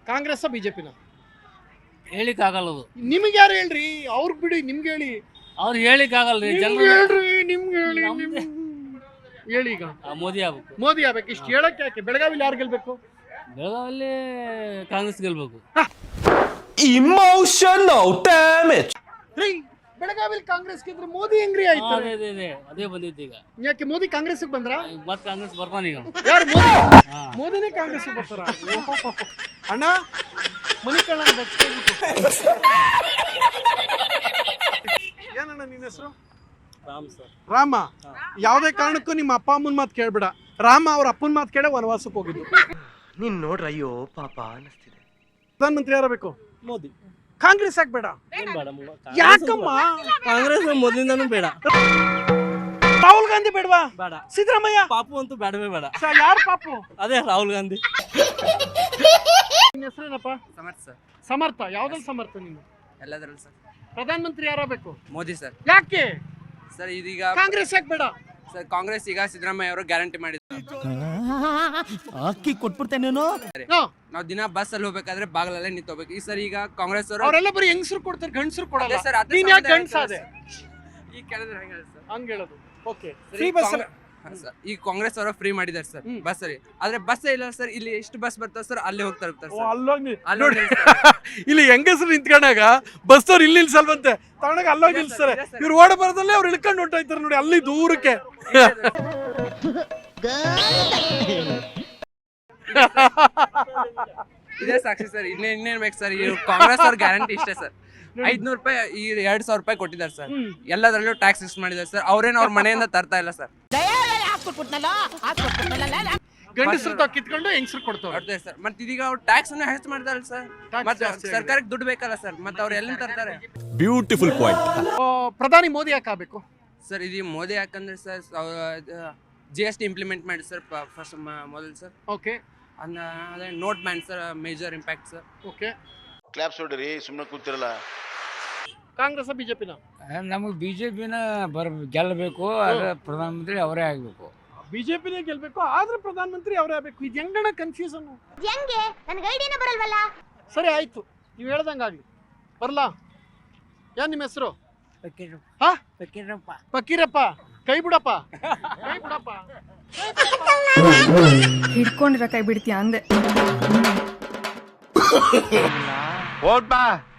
ಕಾಂಗ್ರೆಸ್ ಬಿಜೆಪಿನ ಹೇಳಿಕ್ಕಾಗಲ್ಲ ಅದು. ನಿಮ್ಗೆ ಯಾರು ಹೇಳ್ರಿ? ಅವ್ರಿಗೆ ಬಿಡಿ, ನಿಮ್ಗೆ ಹೇಳಿ. ಅವ್ರು ಹೇಳಿಕ್ಕಾಗಲ್ರಿ. ನಿಮ್ಗೆ ಹೇಳ್ರಿ, ನಿಮ್ಗೆ ಹೇಳಿ. ಹೇಳಿ ಈಗ. ಮೋದಿ ಆಗ್ಬೇಕು. ಮೋದಿ ಆಗ್ಬೇಕು. ಇಷ್ಟು ಹೇಳಕ್ಕೆ ಯಾಕೆ? ಬೆಳಗಾವಿಲಿ ಯಾರು ಗೆಲ್ಬೇಕು? ಬೆಳಗಾವಲ್ಲಿ ಕಾಂಗ್ರೆಸ್ ಗೆಲ್ಬೇಕು. Emotional damage. ರೀ, ಬೆಳಗಾವಿಲಿ ಕಾಂಗ್ರೆಸ್ ಗೆದ್ರೆ ಮೋದಿ ಹೆಂಗ್ರಿ ಆಯ್ತು? ಅದೇ ಬಂದಿತ್ತು ಈಗ. ಯಾಕೆ ಮೋದಿ ಕಾಂಗ್ರೆಸ್ಗೆ ಬಂದ್ರ? ಮತ್ತೆ ಕಾಂಗ್ರೆಸ್ ಬರ್ತಾನೆ ಈಗ. ಯಾರು ಮೋದಿ? ಮೋದಿನೇ ಕಾಂಗ್ರೆಸ್ ಬರ್ತಾರ? ಅಣ್ಣ ಮನಿಕಣ್ಣ ಏನಣ್ಣ ನಿನ್ನ ಹೆಸರು? ರಾಮ್ ಸರ್. ರಾಮ. ಯಾವುದೇ ಕಾರಣಕ್ಕೂ ನಿಮ್ಮ ಅಪ್ಪ ಅಮ್ಮನ ಮಾತು ಕೇಳ್ಬೇಡ. ರಾಮ ಅವ್ರ ಅಪ್ಪನ ಮಾತು ಕೇಳ ವನವಾಸಕ್ಕೆ ಹೋಗಿದ್ದು. ನೀನ್ ನೋಡ್ರ ಅಯ್ಯೋ ಪಾಪ ಅನಿಸ್ತಿದೆ. ಪ್ರಧಾನಮಂತ್ರಿ ಯಾರಬೇಕು? ಮೋದಿ. ಕಾಂಗ್ರೆಸ್ ಆಗ್ಬೇಡ. ಯಾಕಮ್ಮ? ಕಾಂಗ್ರೆಸ್ ಮೊದಲಿಂದನೂ ಬೇಡ. ರಾಹುಲ್ ಗಾಂಧಿ ಬೇಡವಾ? ಬೇಡ. ಸಿದ್ದರಾಮಯ್ಯ? ಪಾಪು ಅಂತೂ ಬೇಡವೇ ಬೇಡ. ಯಾರು ಪಾಪು? ಅದೇ ರಾಹುಲ್ ಗಾಂಧಿ. ನಿನ್ನ ಹೆಸರೇನಪ್ಪ? ಸಮರ್ಥ ಸರ್. ಸಮರ್ಥ. ಯಾವ್ದ್ರಲ್ಲಿ ಸಮರ್ಥ ನೀನು? ಎಲ್ಲದರಲ್ಲೂ ಸರ್. ಪ್ರಧಾನಮಂತ್ರಿ ಯಾರಬೇಕು? ಮೋದಿ ಸರ್. ಯಾಕೆ ಸರ್ ಇದೀಗ ಕಾಂಗ್ರೆಸ್ ಯಾಕೆ ಬೇಡ? ಸರ್ ಕಾಂಗ್ರೆಸ್ ಈಗ ಸಿದ್ದರಾಮಯ್ಯ ಅವರು ಗ್ಯಾರಂಟಿ ಮಾಡಿದ್ದಾರೆ. ಅಕ್ಕಿ ಕೊಟ್ಬಿಡ್ತೇನೇನೋ. ನಾವು ದಿನ ಬಸ್ ಅಲ್ಲಿ ಹೋಗ್ಬೇಕಾದ್ರೆ ಬಾಗಲಲ್ಲೇ ನಿಂತೋಗ್ಬೇಕು. ಈ ಸರ್ ಈಗ ಕಾಂಗ್ರೆಸ್ ಅವರು ಅವರೆಲ್ಲ ಬರೀ ಹೆಂಗಸರು ಕೊಡ್ತಾರೆ, ಗಂಡಸರು ಕೊಡಲ್ಲ. ಸರ್ ನೀನ್ ಯಾಕೆ ಗಂಡಸಾದೆ? ಈ ಕೇಳಿದ್ರೆ ಹೆಂಗ ಸರ್? ಹಂಗ ಹೇಳೋದು. ಓಕೆ. ಫ್ರೀ ಬಸ್ ಈ ಕಾಂಗ್ರೆಸ್ ಅವರು ಫ್ರೀ ಮಾಡಿದ್ದಾರೆ ಸರ್ ಬಸ್ ಅಲ್ಲಿ. ಆದ್ರೆ ಬಸ್ ಇಲ್ಲ ಸರ್. ಇಲ್ಲಿ ಎಷ್ಟು ಬಸ್ ಬರ್ತಾವ ಸರ್ ಅಲ್ಲಿ ಹೋಗ್ತಾ ಇರ್ತಾರೆ ಸರ್. ನೋಡಿ ಇಲ್ಲಿ ಹೆಂಗಸರು ನಿಂತ್ಕೊಂಡಾಗ ಬಸ್ ಅವ್ರು ಇಲ್ಲಿ ನಿಲ್ಸಲ್ವಂತೆ, ತಗೊಂಡಾಗ ಅಲ್ಲೋಗಿ ನಿಲ್ಸ್ತಾರೆ. ಇವ್ರು ಓಡ ಬರೋದಲ್ಲೇ ಅವ್ರು ಇಳ್ಕೊಂಡು ಹೊಂಟೋಯ್ತಾರೆ ನೋಡಿ ಅಲ್ಲಿ ದೂರಕ್ಕೆ. ಇದೇ ಸಾಕ್ಷಿ ಸರ್. ಇನ್ನೇನ್ ಬೇಕು ಸರ್? ಈ ಕಾಂಗ್ರೆಸ್ ಅವ್ರ ಗ್ಯಾರಂಟಿ ಇಷ್ಟೇ ಸರ್. 500 ರೂಪಾಯಿ ಈ 2000 ರೂಪಾಯಿ ಕೊಟ್ಟಿದ್ದಾರೆ ಸರ್. ಎಲ್ಲದರಲ್ಲೂ ಟ್ಯಾಕ್ಸ್ ಇಷ್ಟು ಮಾಡಿದ್ದಾರೆ ಸರ್. ಅವ್ರೇನು ಅವ್ರ ಮನೆಯಿಂದ ತರ್ತಾ ಇಲ್ಲ ಸರ್. ಗಂಡಸರು ತಾವು ಕಿತ್ಕೊಂಡು ಹೆಂಗಸರು ಕೊಡ್ತಾರೆ ಸರ್. ಮತ್ತೆ ಇದೀಗ ಅವ್ರು ಟ್ಯಾಕ್ಸ್ ಅನ್ನು ಹೆಚ್ಚು ಮಾಡ್ತಾರೆ ಸರ್. ಮತ್ತೆ ಸರ್ಕಾರಕ್ಕೆ ದುಡ್ಡು ಬೇಕಲ್ಲ ಸರ್. ಮತ್ತೆ ಅವ್ರು ಎಲ್ಲಿಂದ ತರ್ತಾರೆ? Beautiful point. ಪ್ರಧಾನಿ ಮೋದಿ ಯಾಕೆ ಆಗ್ಬೇಕು ಸರ್? ಇದು ಮೋದಿ ಯಾಕಂದ್ರೆ ಸರ್ GST ಇಂಪ್ಲಿಮೆಂಟ್ ಮಾಡಿ ಸರ್ ಫಸ್ಟ್ ಮೊದಲು ಸರ್. ಓಕೆ. ಅದೇ note ban sir major impact sir. Okay. Claps ಹೊಡ್ರಿ, ಸುಮ್ಮನೆ ಕೂತಿರಲ್ಲ. ಕಾಂಗ್ರೆಸ್ ಬಿಜೆಪಿನ? ನಮಗೆ ಬಿಜೆಪಿನ ಗೆಲ್ಲಬೇಕು. ಪ್ರಧಾನಮಂತ್ರಿ ಅವರೇ ಆಗ್ಬೇಕು. ಬಿಜೆಪಿನೇ ಗೆಲ್ಬೇಕು, ಆದ್ರೆ ಪ್ರಧಾನಮಂತ್ರಿ ಅವರೇ ಆಗ್ಬೇಕು. ಇದು ಹೆಂಗಣ ಕನ್ಫ್ಯೂಷನ್? ಸರಿ ಆಯ್ತು, ನೀವು ಹೇಳ್ದಂಗಾಗ್ಲಿ. ಬರ್ಲಾ? ಏನ್ ನಿಮ್ಮ ಹೆಸರು? ಫಕೀರಪ್ಪ. ಕೈ ಬಿಡಪ್ಪ, ಕೈ ಬಿಡಪ್ಪ. ಹಿಡ್ಕೊಂಡಿರ ಕೈ ಬಿಡ್ತೀಯ ಅಂದೆ. ಓಟ್ ಬಾ.